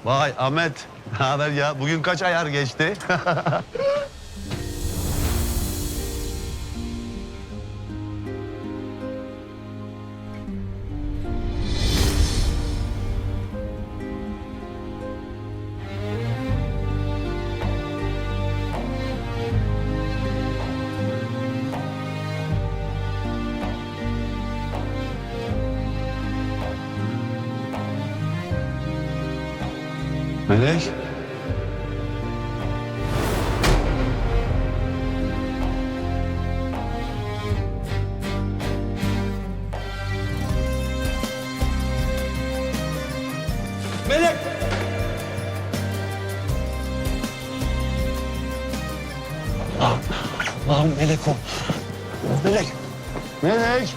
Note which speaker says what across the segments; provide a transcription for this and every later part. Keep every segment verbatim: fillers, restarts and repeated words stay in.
Speaker 1: Vay Ahmet. Ne haber ya? Bugün kaç ayar geçti? Melek.
Speaker 2: Melek!
Speaker 1: Allah'ım Melek o. Melek. Melek.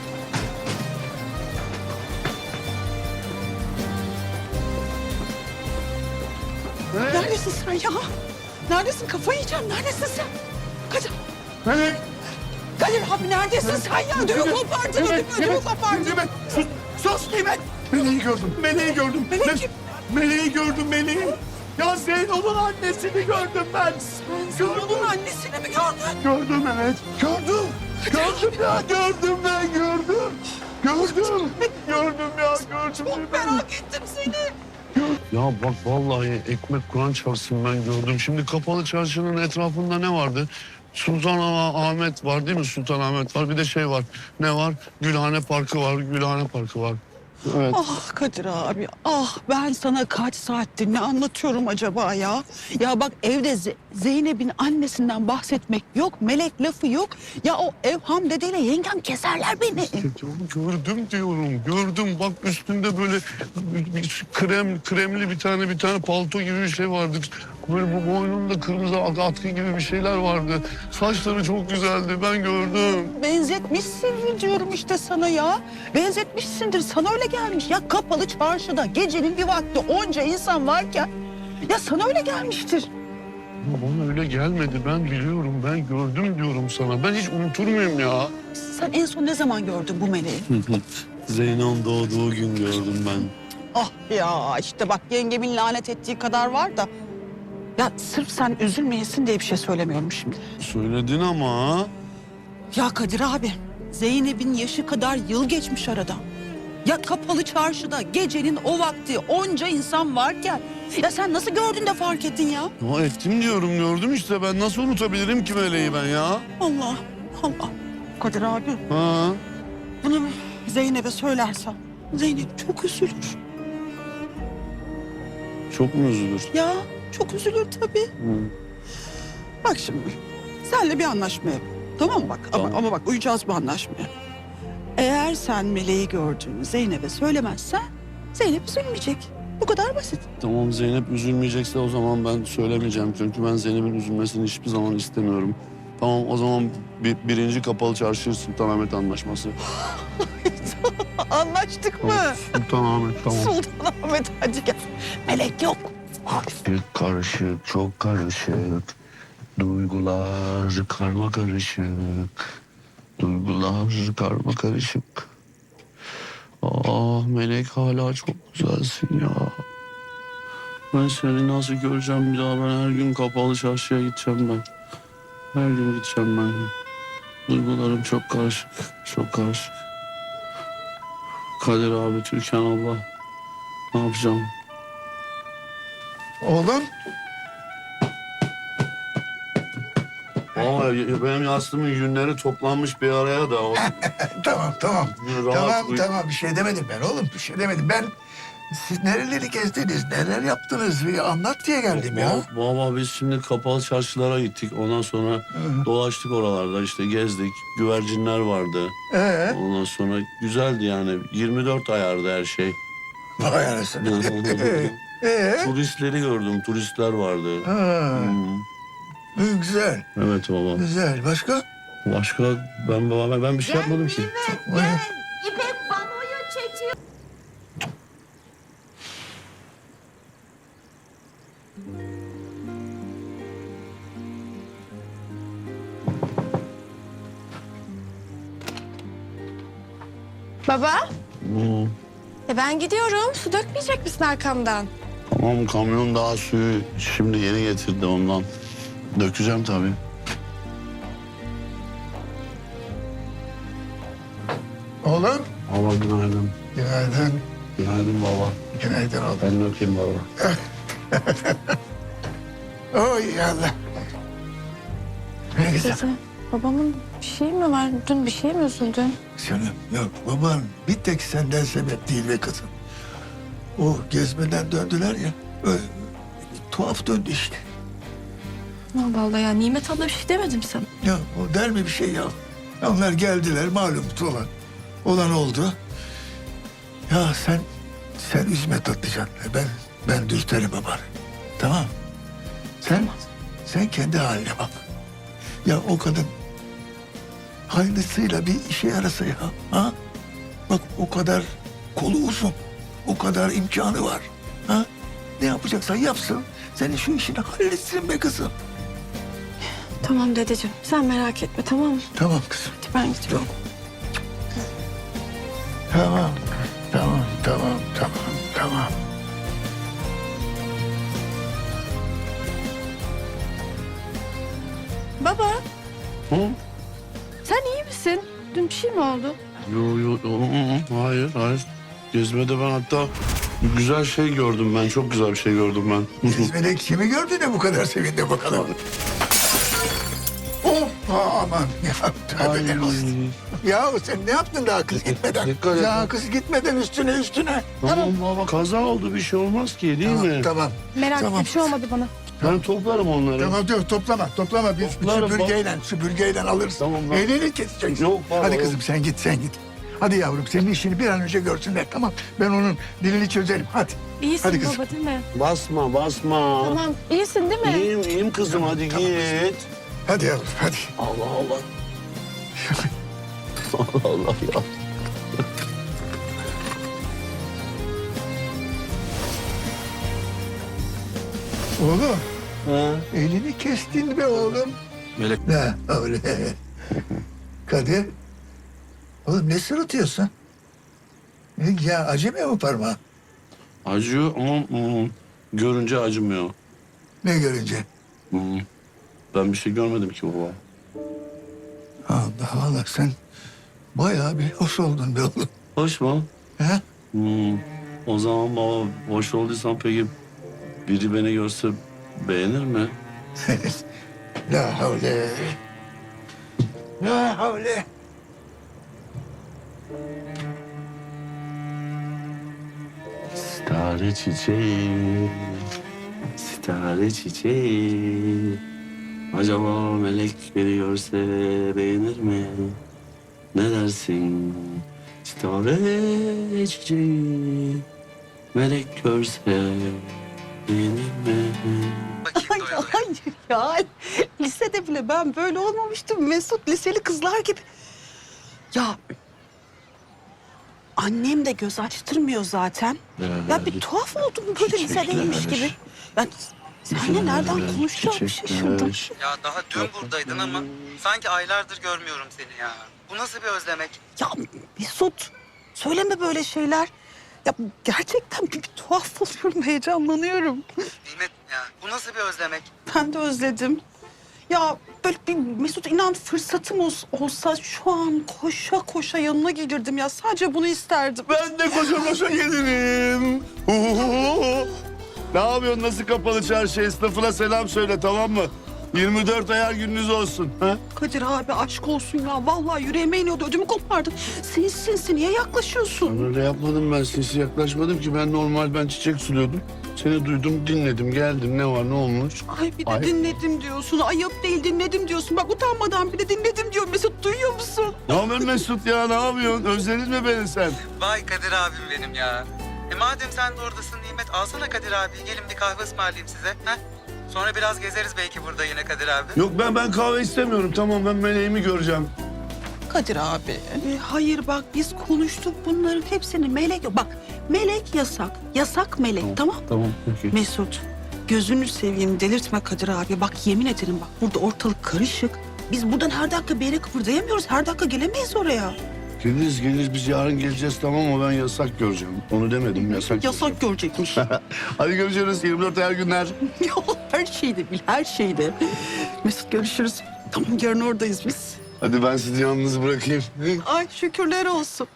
Speaker 1: Melek.
Speaker 3: Neredesin sen ya? Neredesin? Kafayı yiyeceğim. Neredesin sen? Kadir.
Speaker 1: Melek.
Speaker 3: Kadir abi neredesin sen ya? Ödümü kopardın, ödümü, ödümü kopardın.
Speaker 2: Nimet! Sus! Sus Nimet! Meleği gördüm, meleği gördüm.
Speaker 3: Melek
Speaker 2: Me-
Speaker 3: kim?
Speaker 2: Meleği gördüm, meleği. Ya Zeyno'nun annesini gördüm ben.
Speaker 3: Sen onun annesini mi gördün?
Speaker 2: Gördüm evet, gördüm. Gördüm ya, gördüm ben, gördüm. Gördüm, gördüm ya, gördüm.
Speaker 3: Çok merak ettim seni.
Speaker 1: Ya bak vallahi ekmek Kur'an çarpsın ben gördüm. Şimdi kapalı çarşının etrafında ne vardı? Sultan Ahmet var değil mi? Sultan Ahmet var. Bir de şey var. Ne var? Gülhane Parkı var. Gülhane Parkı var. Evet.
Speaker 3: Ah Kadir abi, ah ben sana kaç saattir ne anlatıyorum acaba ya? Ya bak evde Ze- Zeynep'in annesinden bahsetmek yok, melek lafı yok. Ya o Evham dedeyle yengem keserler beni.
Speaker 1: Gördüm diyorum. Gördüm. Bak üstünde böyle bir krem kremli bir tane bir tane palto gibi bir şey vardı. Böyle bu boynunda kırmızı atkı gibi bir şeyler vardı. Saçları çok güzeldi. Ben gördüm.
Speaker 3: Benzetmişsindir diyorum işte sana ya. Benzetmişsindir, sana öyle gelmiş. Ya kapalı çarşıda gecenin bir vakti onca insan varken... ...ya sana öyle gelmiştir.
Speaker 1: Ama bana öyle gelmedi. Ben biliyorum. Ben gördüm diyorum sana. Ben hiç unutur muyum ya?
Speaker 3: Sen en son ne zaman gördün bu meleği?
Speaker 1: Zeynep'in doğduğu gün gördüm ben.
Speaker 3: Ah ya işte bak yengemin lanet ettiği kadar var da... ...ya sırf sen üzülmeyesin diye bir şey söylemiyorum şimdi.
Speaker 1: Söyledin ama.
Speaker 3: Ya Kadir abi, Zeynep'in yaşı kadar yıl geçmiş aradan. Ya kapalı çarşıda gecenin o vakti onca insan varken... ...ya sen nasıl gördün de fark ettin ya?
Speaker 1: Ya ettim diyorum gördüm işte. Ben nasıl unutabilirim ki meleği ben ya?
Speaker 3: Allah, Allah. Kadir abi,
Speaker 1: Ha?
Speaker 3: bunu Zeynep'e söylersen... ...Zeynep çok üzülür.
Speaker 1: Çok mu üzülür?
Speaker 3: Ya çok üzülür tabii.
Speaker 1: Hı.
Speaker 3: Bak şimdi, senle bir anlaşma yap. Tamam mı bak?
Speaker 1: Tamam.
Speaker 3: Ama, ama bak uyacağız bu anlaşmaya. Eğer sen meleği gördüğünü Zeynep'e söylemezsen... ...Zeynep üzülmeyecek. Bu kadar basit.
Speaker 1: Tamam Zeynep üzülmeyecekse o zaman ben söylemeyeceğim. Çünkü ben Zeynep'in üzülmesini hiçbir zaman istemiyorum. Tamam o zaman bir, birinci kapalı çarşı Sultanahmet Anlaşması.
Speaker 3: Anlaştık mı?
Speaker 1: Sultanahmet tamam.
Speaker 3: Sultanahmet hadi gel. Melek yok.
Speaker 1: Karışık karışık çok karışık. Duygular karma karışık. Duygular karma karışık. Ah Melek hala çok güzelsin ya. Ben seni nasıl göreceğim bir daha? Ben her gün kapalı çarşıya gideceğim ben. Her gün gideceğim ben. Duygularım çok karışık, çok karışık. Kadir abi, Türkan abla. Ne yapacağım?
Speaker 2: Oğlum,
Speaker 1: Ama benim yastığımın yünleri toplanmış bir araya da. O...
Speaker 2: tamam tamam.
Speaker 1: Rahat
Speaker 2: tamam
Speaker 1: uy-
Speaker 2: tamam bir şey demedim ben oğlum, bir şey demedim. Ben siz nereleri gezdiniz, neler yaptınız bir anlat diye geldim ya.
Speaker 1: Baba biz şimdi kapalı çarşılara gittik. Ondan sonra dolaştık oralarda işte gezdik. Güvercinler vardı.
Speaker 2: Ee,
Speaker 1: Ondan sonra güzeldi yani. yirmi dört ayardı her şey.
Speaker 2: vay anasını. Ee,
Speaker 1: Turistleri gördüm. Turistler vardı.
Speaker 2: ha,
Speaker 1: Hmm.
Speaker 2: güzel,
Speaker 1: Evet baba.
Speaker 2: güzel. Başka?
Speaker 1: Başka ben baba ben bir şey yapmadım ki.
Speaker 4: Gel, İpek panoyu çekiyor.
Speaker 5: Baba,
Speaker 1: Hmm.
Speaker 5: e ben gidiyorum. Su dökmeyecek misin arkamdan?
Speaker 1: Tamam, kamyon daha suyu şimdi yeni getirdi ondan. Dökeceğim tabii.
Speaker 2: Oğlum.
Speaker 1: Baba günaydın.
Speaker 2: Günaydın.
Speaker 1: Günaydın baba.
Speaker 2: Günaydın oğlum.
Speaker 1: Ben öpeyim baba.
Speaker 2: Oy Allah. Ne güzel.
Speaker 5: Dede, babamın bir şey mi var? Dün bir şey mi üzüldün?
Speaker 2: Canım yok baban bir tek senden sebep değil be kızım. O gezmeden döndüler ya. Öyle, bir tuhaf döndü işte.
Speaker 5: Allah Allah ya, Nimet abla bir şey demedim sana.
Speaker 2: Ya o der mi bir şey ya? Onlar geldiler malum olan. Olan oldu. Ya sen sen üzme Tatlıcan. Ben ben dürterim babanı. Tamam. Sen sen kendi haline bak. Ya o kadın hayırlısıyla bir işe yarasa ya. Ha? Bak o kadar kolu uzun. O kadar imkanı var. Ha? Ne yapacaksan yapsın. Senin şu işini halletsin be kızım.
Speaker 5: Tamam dedeciğim, sen merak etme, tamam mı?
Speaker 2: Tamam kızım.
Speaker 5: Hadi ben gidiyorum.
Speaker 2: Tamam. Tamam, tamam, tamam, tamam.
Speaker 5: Baba,
Speaker 1: Hı?
Speaker 5: sen iyi misin? Dün bir şey mi oldu?
Speaker 1: Yo yo yo, hı, hı. hayır hayır. Gezmede ben hatta bir güzel şey gördüm ben. Çok güzel bir şey gördüm ben.
Speaker 2: Melek kimi gördü de bu kadar sevindi bakalım. Hoppa aman ya tövbeler olsun. Ya sen ne yaptın daha kız gitmeden?
Speaker 1: Dikkat et.
Speaker 2: Ya kız gitmeden üstüne üstüne.
Speaker 1: Tamam baba, kaza oldu, bir şey olmaz ki değil
Speaker 2: Tamam,
Speaker 1: mi?
Speaker 2: tamam.
Speaker 5: Merak
Speaker 2: Tamam.
Speaker 5: etme, bir şey olmadı bana.
Speaker 1: Ben toplarım onları.
Speaker 2: Tamam dur toplama toplama biz
Speaker 1: Toplarım,
Speaker 2: süpürgeyle süpürgeyle alırız.
Speaker 1: Tamam, bak.
Speaker 2: Elini keseceksin.
Speaker 1: Yok, baba,
Speaker 2: Hadi
Speaker 1: yok.
Speaker 2: kızım sen git sen git. Hadi yavrum senin işini bir an önce görsünler tamam. Ben onun dilini çözerim hadi.
Speaker 5: İyisin
Speaker 2: Hadi kızım.
Speaker 5: baba değil mi?
Speaker 1: Basma basma.
Speaker 5: Tamam, iyisin değil mi?
Speaker 1: İyiyim iyiyim kızım, hadi
Speaker 2: Tamam.
Speaker 1: git.
Speaker 2: Hadi yavrum hadi.
Speaker 1: Allah Allah. Allah Allah ya.
Speaker 2: Oğlum
Speaker 1: Ha?
Speaker 2: elini kestin be oğlum.
Speaker 1: Melek.
Speaker 2: Ne öyle. Kadir. Oğlum ne sırıtıyorsun? Ne, ya acımıyor mu parmağın?
Speaker 1: Acıyor ama hmm, görünce acımıyor.
Speaker 2: Ne görünce?
Speaker 1: Hmm. Ben bir şey görmedim ki baba.
Speaker 2: Allah Allah sen bayağı bir hoş oldun be oğlum.
Speaker 1: Hoş mu?
Speaker 2: He?
Speaker 1: Hmm. O zaman baba, hoş olduysan peki biri beni görse beğenir mi?
Speaker 2: La havle. La havle.
Speaker 1: Sitare çiçeği, sitare çiçeği. Acaba melek beni görse beğenir mi? Ne dersin? Sitare çiçeği, melek görse beğenir mi?
Speaker 3: Ay, hayır ya. Lisede bile ben böyle olmamıştım. Mesut liseli kızlar gibi. Ya annem de göz açtırmıyor zaten. Ya bir tuhaf oldum böyle lisedeymiş
Speaker 1: Çiçekler.
Speaker 3: gibi. Ben seninle nereden konuşacağımı
Speaker 1: Çiçekler.
Speaker 3: şaşırdım.
Speaker 6: Ya daha dün buradaydın ama sanki aylardır görmüyorum seni ya. Bu nasıl bir özlemek?
Speaker 3: Ya Mesut söyleme böyle şeyler. Ya gerçekten bir, bir tuhaf oluyorum, heyecanlanıyorum.
Speaker 6: Nimet ya bu nasıl bir özlemek?
Speaker 3: Ben de özledim. Ya böyle bir Mesut inan fırsatım ol- olsa şu an koşa koşa yanına gelirdim ya. Sadece bunu isterdim.
Speaker 1: Ben de koşa koşa gelirim. Ne yapıyorsun? Nasıl kapalı çarşı? Esnafına selam söyle, tamam mı? yirmi dört ayar gününüz olsun. Ha?
Speaker 3: Kadir abi aşk olsun ya. Vallahi yüreğime iniyordu. Ödümü kopardın. Sinsi sinsi niye yaklaşıyorsun?
Speaker 1: Öyle yapmadım ben. Sinsi yaklaşmadım ki. Ben normal ben çiçek suluyordum. Seni duydum, dinledim, geldim. Ne var, ne olmuş?
Speaker 3: Ay bir de
Speaker 1: Ay.
Speaker 3: dinledim diyorsun. Ayıp değil dinledim diyorsun. Bak utanmadan bir de dinledim diyor. Mesut duyuyor musun?
Speaker 1: Ne haber Mesut ya? Ne yapıyorsun? Özledin mi beni sen?
Speaker 6: Vay Kadir abim benim ya. E madem sen de oradasın Nimet alsana Kadir abi. Gelin bir kahve ısmarlayayım size. Ha? Sonra biraz gezeriz belki burada yine Kadir abi.
Speaker 1: Yok ben ben kahve istemiyorum. Tamam, ben meleğimi göreceğim.
Speaker 3: Kadir abi. E, hayır bak biz konuştuk bunların hepsini. Melek yok. Bak melek yasak. Yasak melek tamam.
Speaker 1: Tamam, peki.
Speaker 3: Mesut gözünü seveyim delirtme Kadir abi. Bak yemin ederim bak burada ortalık karışık. Biz buradan her dakika bir yere kıpırdayamıyoruz. Her dakika gelemeyiz oraya.
Speaker 1: Geliriz geliriz biz yarın geleceğiz tamam mı? Ben yasak göreceğim. Onu demedim yasak.
Speaker 3: Yasak görecekmiş.
Speaker 1: Hadi görüşürüz yirmi dört her günler.
Speaker 3: Ya her şeyde bil, her şeyde. Mesut görüşürüz. Tamam yarın oradayız biz.
Speaker 1: Hadi ben sizi yalnız bırakayım.
Speaker 3: Ay şükürler olsun.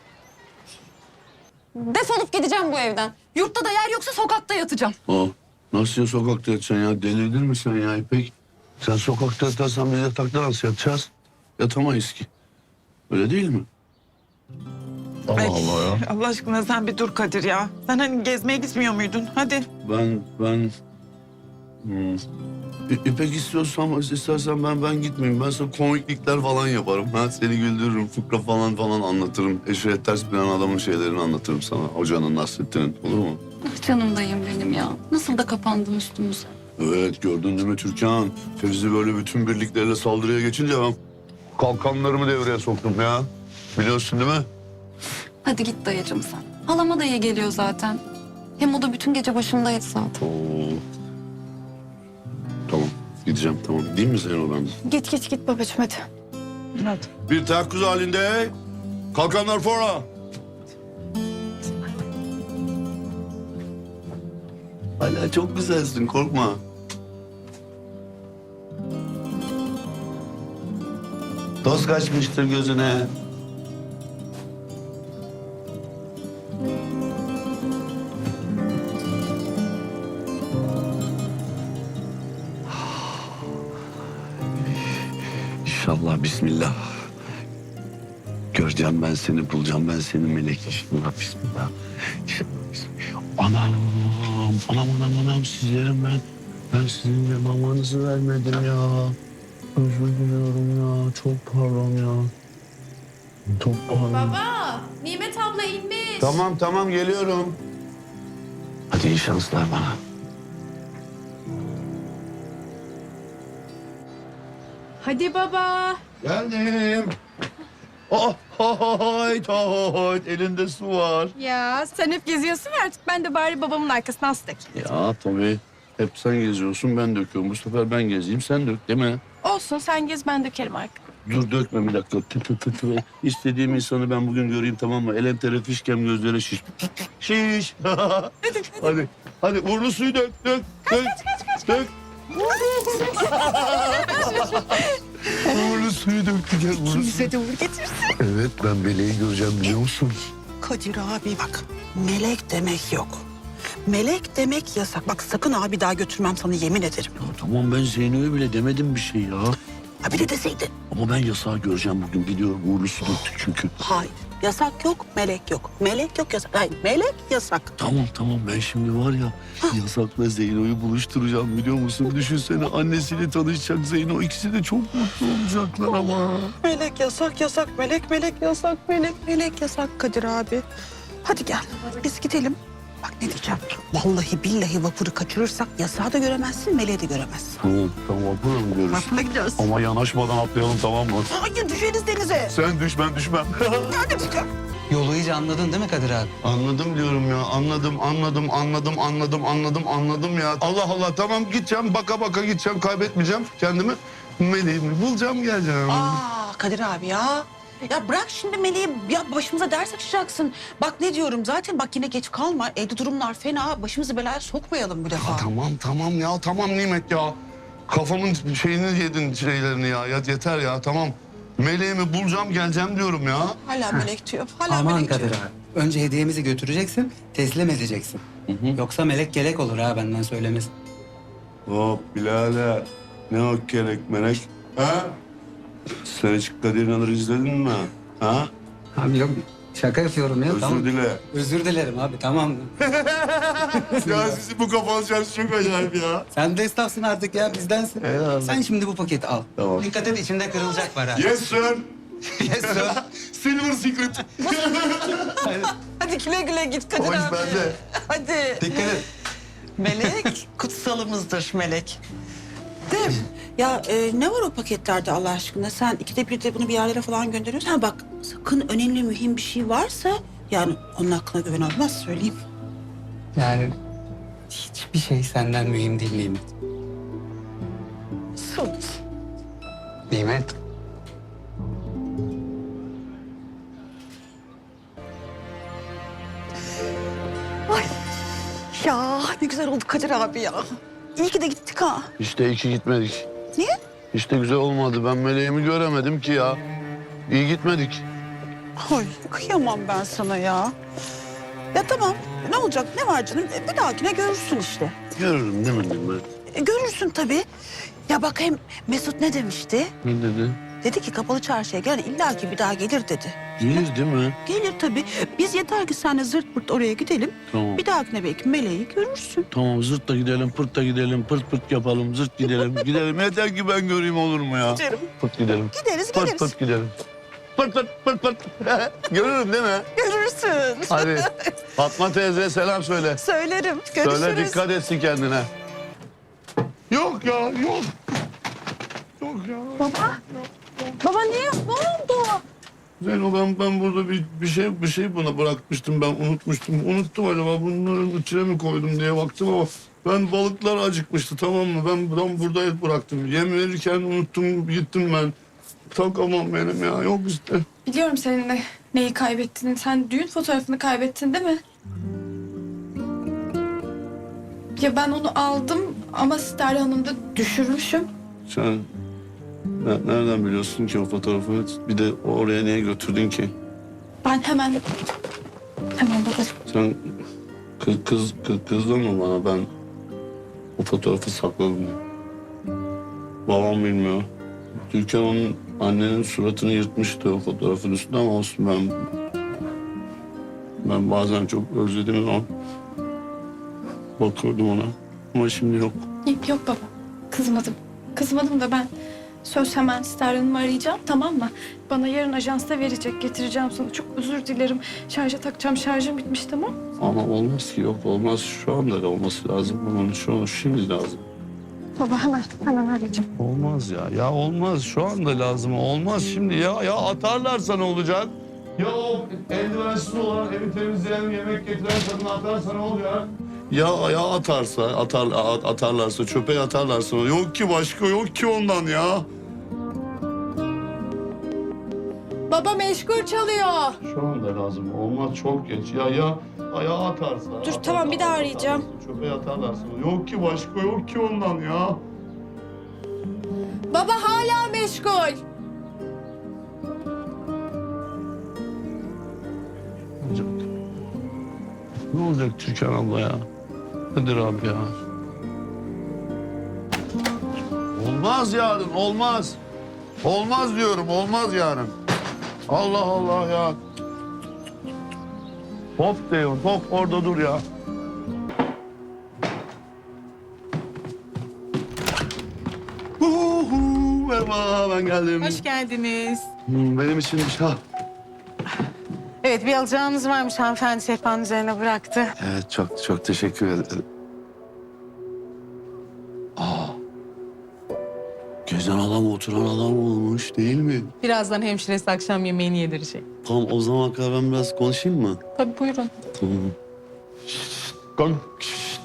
Speaker 5: Defolup gideceğim bu evden. Yurtta da yer yoksa sokakta yatacağım.
Speaker 1: Aa, nasıl ya sokakta yatacaksın ya? Delirdin mi sen ya İpek? Sen sokakta yatarsan biz yatakta nasıl yatacağız? Yatamayız ki. Öyle değil mi? Allah
Speaker 7: Ay,
Speaker 1: Allah ya.
Speaker 7: Allah aşkına sen bir dur Kadir ya. Sen hani gezmeye gitmiyor muydun? Hadi.
Speaker 1: Ben, ben... Hmm. İ- İpek istiyorsan, istersen ben ben gitmeyeyim. Ben sana komiklikler falan yaparım. Ha, seni güldürürüm, fıkra falan falan anlatırım. Eşref ters bilen adamın şeylerini anlatırım sana. Hocanın, Nasrettin'in. Olur mu?
Speaker 5: Ah canım dayım benim ya. Nasıl da kapandın üstümüze.
Speaker 1: Evet, gördün değil mi Türkan? Fevzi böyle bütün birlikleriyle saldırıya geçince ben kalkanlarımı devreye soktum ya. Biliyorsun değil mi?
Speaker 5: Hadi git dayıcım sen. Halama da iyi geliyor zaten. Hem o da bütün gece başımdaydı zaten.
Speaker 1: Oo. Tamam, gideceğim tamam. Değil mi senin odanda?
Speaker 5: Git git git babacığım hadi.
Speaker 7: Hadi.
Speaker 1: Bir teyakkuz halinde kalkanlar fora. Hala çok güzelsin korkma. Toz kaçmıştır gözüne. İnşallah bismillah. Göreceğim ben seni, bulacağım ben seni melek. İnşallah bismillah. İnşallah bismillah. Anam, anam, anam, anam sizlerim ben. Ben sizin de mamanızı vermedim ya. Özür diliyorum ya. Çok pardon ya. Çok pardon.
Speaker 4: Baba, Nimet abla inmiş.
Speaker 1: Tamam, tamam geliyorum. Hadi iyi şanslar bana.
Speaker 4: Hadi baba.
Speaker 1: Geldim. Oh, hoyt, hoyt. Elinde su var.
Speaker 5: Ya sen hep geziyorsun ya artık ben de bari babamın arkasına astık.
Speaker 1: Ya tabii. Hep sen geziyorsun, ben döküyorum. Bu sefer ben gezeyim, sen dök değil mi?
Speaker 5: Olsun sen gez ben dökerim artık.
Speaker 1: Dur dökme bir dakika. Tı tı tı tı. İstediğim insanı ben bugün göreyim tamam mı? Elem tere fişkem gözlere şiş. Şiş. hadi. Hadi uğurlu suyu dök. Dök. Dök. Dök. Uğurlu suyu döktü. Gel uğurlu suyu.
Speaker 3: de uğur getirsin.
Speaker 1: Evet ben meleği göreceğim biliyor musun?
Speaker 3: Kadir abi bak melek demek yok. Melek demek yasak. Bak sakın abi daha götürmem sana yemin ederim.
Speaker 1: Ya tamam ben Zeyno'ya bile demedim bir şey ya.
Speaker 3: Ha bir de deseydin.
Speaker 1: Ama ben yasağı göreceğim bugün. Gidiyorum uğurlu su döktük çünkü.
Speaker 3: Hayır. Yasak yok, melek yok. Melek yok, yasak. Hayır, melek yasak.
Speaker 1: Tamam tamam ben şimdi var ya yasakla Zeyno'yu buluşturacağım biliyor musun? Düşünsene annesiyle tanışacak Zeyno. İkisi de çok mutlu olacaklar ama.
Speaker 3: Melek yasak, yasak. Melek, melek yasak. Melek, melek yasak Kadir abi. Hadi gel, biz gidelim. Bak ne diyeceğim. Vallahi billahi vapuru kaçırırsak yasağı da göremezsin, meleği de göremezsin.
Speaker 1: Tamam tamam vapurla mı görürüz?
Speaker 3: Vapurla gidiyoruz.
Speaker 1: Ama yanaşmadan atlayalım tamam mı?
Speaker 3: Hayır düşeriz denize.
Speaker 1: Sen düş ben düşmem.
Speaker 3: Hadi çıkar.
Speaker 6: Yolu iyice anladın değil mi Kadir abi?
Speaker 1: Anladım diyorum ya. Anladım, anladım, anladım, anladım, anladım, anladım ya. Allah Allah tamam gideceğim. Baka baka gideceğim. Kaybetmeyeceğim kendimi. Meleğimi bulacağım geleceğim.
Speaker 3: Aa Kadir abi ya. Ya bırak şimdi Meleği ya başımıza ders açacaksın. Bak ne diyorum zaten bak yine geç kalma. Evde durumlar fena. Başımızı belaya sokmayalım bu defa.
Speaker 1: Ya tamam tamam ya tamam Nimet ya. Kafamın şeyini yedin şeylerini ya. ya yeter ya tamam. Meleğimi bulacağım geleceğim diyorum ya.
Speaker 3: Hala melek diyor. Hala
Speaker 8: Aman
Speaker 3: melek
Speaker 8: Kadir
Speaker 3: diyor.
Speaker 8: abi. Önce hediyemizi götüreceksin, teslim edeceksin. Yoksa melek gelek olur ha benden söylemesi.
Speaker 1: Hop birader. Ne o kelek melek? Ha? Sen hiç Kadir İnanır'ı izledin mi? Ha?
Speaker 8: Abi yok şaka yapıyorum ya.
Speaker 1: Özür
Speaker 8: tamam.
Speaker 1: dile.
Speaker 8: Özür dilerim abi tamam.
Speaker 1: Ya sizin bu kafanız çarşı çok acayip ya.
Speaker 8: Sen de esnafsın artık ya bizdensin.
Speaker 1: Eyvallah.
Speaker 8: Sen şimdi bu paketi al.
Speaker 1: Tamam.
Speaker 8: Dikkat et içinde kırılacak var ha.
Speaker 1: Yes sir.
Speaker 8: Yes sir.
Speaker 1: Silver secret.
Speaker 3: Hadi güle güle git Kadir
Speaker 1: O iş
Speaker 3: abi.
Speaker 1: bende.
Speaker 3: Hadi.
Speaker 8: Dikkat et.
Speaker 3: Melek kutsalımızdır melek. De ya e, ne var o paketlerde Allah aşkına? Sen ikide bir de bunu bir yerlere falan gönderiyorsun. Ha bak sakın önemli mühim bir şey varsa yani onun hakkına güven olmaz söyleyeyim.
Speaker 8: Yani hiçbir şey senden mühim değil Nimet.
Speaker 3: Sus.
Speaker 8: Nimet.
Speaker 3: Ya ne güzel oldu Kadir abi ya. İyi ki de gittik ha.
Speaker 1: İşte iki gitmedik.
Speaker 3: Niye?
Speaker 1: İşte güzel olmadı. Ben meleğimi göremedim ki ya. İyi gitmedik.
Speaker 3: Ay kıyamam ben sana ya. Ya tamam ne olacak ne var canım E, bir dahakine görürsün işte.
Speaker 1: Görürüm değil mi ben?
Speaker 3: E, görürsün tabii. Ya bak hem Mesut ne demişti?
Speaker 1: Ne dedi?
Speaker 3: Dedi ki kapalı çarşıya gel illaki bir daha gelir dedi.
Speaker 1: Gelir değil mi?
Speaker 3: Gelir tabii. Biz yeter ki seninle zırt pırt oraya gidelim.
Speaker 1: Tamam.
Speaker 3: Bir dahakine belki meleği görürsün.
Speaker 1: Tamam zırt da gidelim, pırt da gidelim, pırt pırt yapalım, zırt gidelim. Gidelim yeter ki ben göreyim olur mu ya?
Speaker 3: Giderim.
Speaker 1: Pırt gidelim.
Speaker 3: Gideriz
Speaker 1: Pırt
Speaker 3: geliriz.
Speaker 1: pırt gidelim. Pırt pırt pırt pırt. Görürüm değil mi?
Speaker 3: Görürsün.
Speaker 1: Hadi Fatma teyze selam söyle.
Speaker 3: Söylerim. Görüşürüz.
Speaker 1: Söyle dikkat etsin kendine. Yok ya yok. Yok ya.
Speaker 3: Baba. Baba niye? Ne oldu?
Speaker 1: Zeyno ben, ben burada bir, bir şey bir şey buna bırakmıştım ben unutmuştum. Unuttum acaba bunların içine mi koydum diye baktım ama ben balıklar acıkmıştı tamam mı? Ben buradan burada bıraktım. Yem verirken unuttum gittim ben. Takamam benim ya yok işte.
Speaker 4: Biliyorum senin de neyi kaybettiğini. Sen düğün fotoğrafını kaybettin değil mi? Ya ben onu aldım ama Sterli Hanım'da düşürmüşüm.
Speaker 1: Sen ne- nereden biliyorsun ki o fotoğrafı? Bir de oraya niye götürdün ki?
Speaker 4: Ben hemen... Hemen bakarım.
Speaker 1: Sen kız, kız, kız kızdın mı bana ben o fotoğrafı sakladım diye. Babam bilmiyor. Türkan onun annenin suratını yırtmıştı o fotoğrafın üstünde ama olsun ben ben bazen çok özlediğim zaman bakıyordum ona ama şimdi yok.
Speaker 4: Yok, yok baba. Kızmadım. Kızmadım da ben söz hemen Sterli Hanım'ı arayacağım tamam mı? Bana yarın ajansta verecek. Getireceğim sana. Çok özür dilerim. Şarja takacağım. Şarjım bitmiş tamam.
Speaker 1: Ama olmaz ki yok olmaz şu anda da olması lazım. Onun şu an şimdi lazım.
Speaker 4: Baba hemen hemen arayacağım.
Speaker 1: Olmaz ya. Ya olmaz. Şu anda lazım. Olmaz şimdi ya. Ya atarlarsa ne olacak? Ya o eldivensiz olan, evi temizleyen, yemek getiren kadını atarsa ne oluyor? Ya ya atarsa, atar, atarlarsa, çöpe atarlarsa yok ki başka yok ki ondan ya.
Speaker 4: Baba meşgul çalıyor.
Speaker 1: Şu anda lazım. Olmaz çok geç. Ya ya ayağa atarsa.
Speaker 4: Dur, tamam, bir daha arayacağım.
Speaker 1: Çöpe atarlarsa yok ki başka yok ki ondan ya.
Speaker 4: Baba hala meşgul.
Speaker 1: olacak? Ne olacak Türkan abla ya? Nedir abi ya? Olmaz yarın, olmaz. Olmaz diyorum, olmaz yarın. Allah Allah ya. Hop diyorum, hop orada dur ya. Uhu, merhaba, ben geldim.
Speaker 9: Hoş geldiniz.
Speaker 1: Hmm, Benim için bir şey.
Speaker 9: Evet, bir alacağınız varmış hanımefendi sehpanın üzerine bıraktı.
Speaker 1: Evet, çok çok teşekkür ederim. Aa, gezen adam oturan adam olmuş değil mi?
Speaker 9: Birazdan hemşiresi akşam yemeğini yedirecek.
Speaker 1: Tamam, o zaman kadar ben biraz konuşayım mı?
Speaker 9: Tabii buyurun.
Speaker 1: Tamam. Şşt, kalk. Şşt.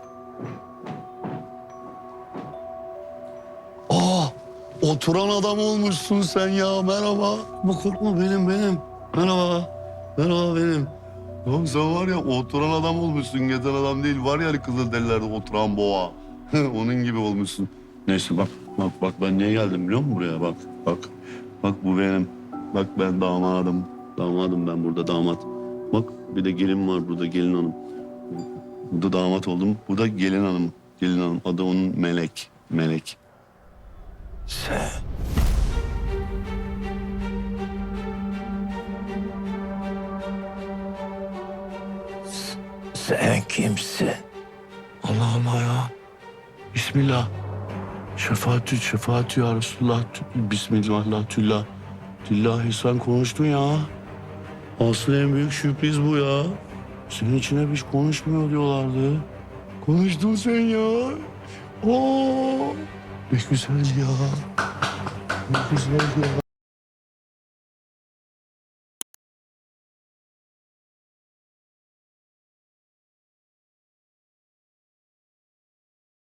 Speaker 1: Aa, oturan adam olmuşsun sen ya. Merhaba. Bu korkma benim benim. Merhaba. Merhaba benim. Ya sen var ya oturan adam olmuşsun. Gezen adam değil. Var ya Kızılderililerde oturan boğa. Onun gibi olmuşsun. Neyse bak bak bak ben niye geldim biliyor musun buraya? Bak bak. Bak bu benim. Bak ben damadım. Damadım ben burada damat. Bak bir de gelin var burada gelin hanım. Burada damat oldum. Bu da gelin hanım. Gelin hanım. Adı onun Melek. Melek.
Speaker 2: Sen... Sen kimsin?
Speaker 1: Allah Allah ya. Bismillah. Şefaatü, şefaatü ya Resulullah. Bismillah, tüllah. Tillahi sen konuştun ya. Asıl en büyük sürpriz bu ya. Senin içine hiç konuşmuyor diyorlardı. Konuştun sen ya. Oo, ne güzel ya. Ne güzel ya.